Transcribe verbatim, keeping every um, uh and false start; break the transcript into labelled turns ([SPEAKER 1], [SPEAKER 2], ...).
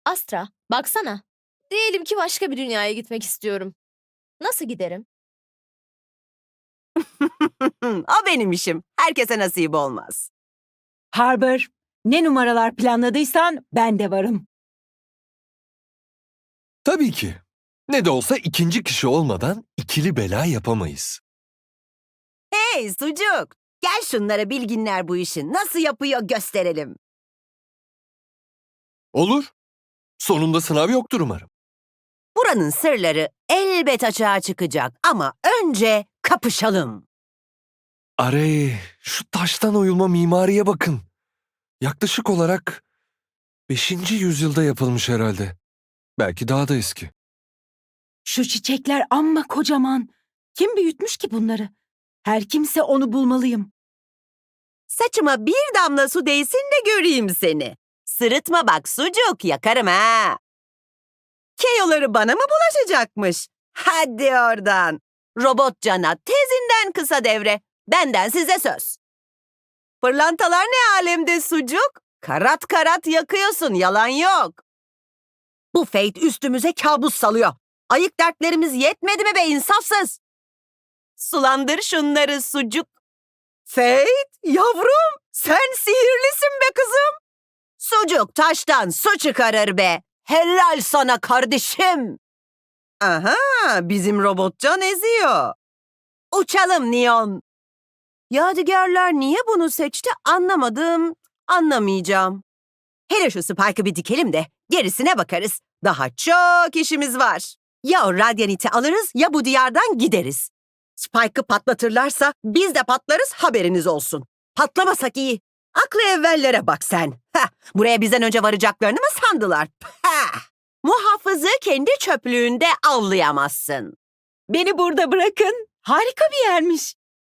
[SPEAKER 1] Astra, baksana. Diyelim ki başka bir dünyaya gitmek istiyorum. Nasıl giderim?
[SPEAKER 2] O benim işim. Herkese nasip olmaz.
[SPEAKER 3] Harbor, ne numaralar planladıysan ben de varım.
[SPEAKER 4] Tabii ki. Ne de olsa ikinci kişi olmadan ikili bela yapamayız.
[SPEAKER 2] Hey sucuk, gel şunlara bilginler bu işi nasıl yapıyor gösterelim.
[SPEAKER 4] Olur. Sonunda sınav yoktur umarım.
[SPEAKER 2] Buranın sırları elbet açığa çıkacak ama önce kapışalım.
[SPEAKER 4] Arey, şu taştan oyulma mimariye bakın. Yaklaşık olarak beşinci yüzyılda yapılmış herhalde. Belki daha da eski.
[SPEAKER 3] Şu çiçekler amma kocaman. Kim büyütmüş ki bunları? Her kimse onu bulmalıyım.
[SPEAKER 2] Saçıma bir damla su değsin de göreyim seni. Sırıtma bak sucuk, yakarım ha. Keyoları bana mı bulaşacakmış? Hadi oradan. Robot cana tezinden kısa devre. Benden size söz. Pırlantalar ne alemde sucuk? Karat karat yakıyorsun, yalan yok. Bu Fate üstümüze kabus salıyor. Ayık dertlerimiz yetmedi mi be insafsız? Sulandır şunları sucuk. Fate, yavrum, sen sihirlisin be kızım. Sucuk taştan su çıkarır be. Helal sana kardeşim. Aha, bizim robotcan eziyor. Uçalım Neon. Yadigarlar niye bunu seçti anlamadım, anlamayacağım. Hele şu Spike'ı bir dikelim de gerisine bakarız. Daha çok işimiz var. Ya o Radiant'i alırız ya bu diyardan gideriz. Spike'ı patlatırlarsa biz de patlarız, haberiniz olsun. Patlamasak iyi. Aklı evvellere bak sen. Heh, buraya bizden önce varacaklarını mı sandılar? Heh. Muhafızı kendi çöplüğünde avlayamazsın.
[SPEAKER 3] Beni burada bırakın. Harika bir yermiş.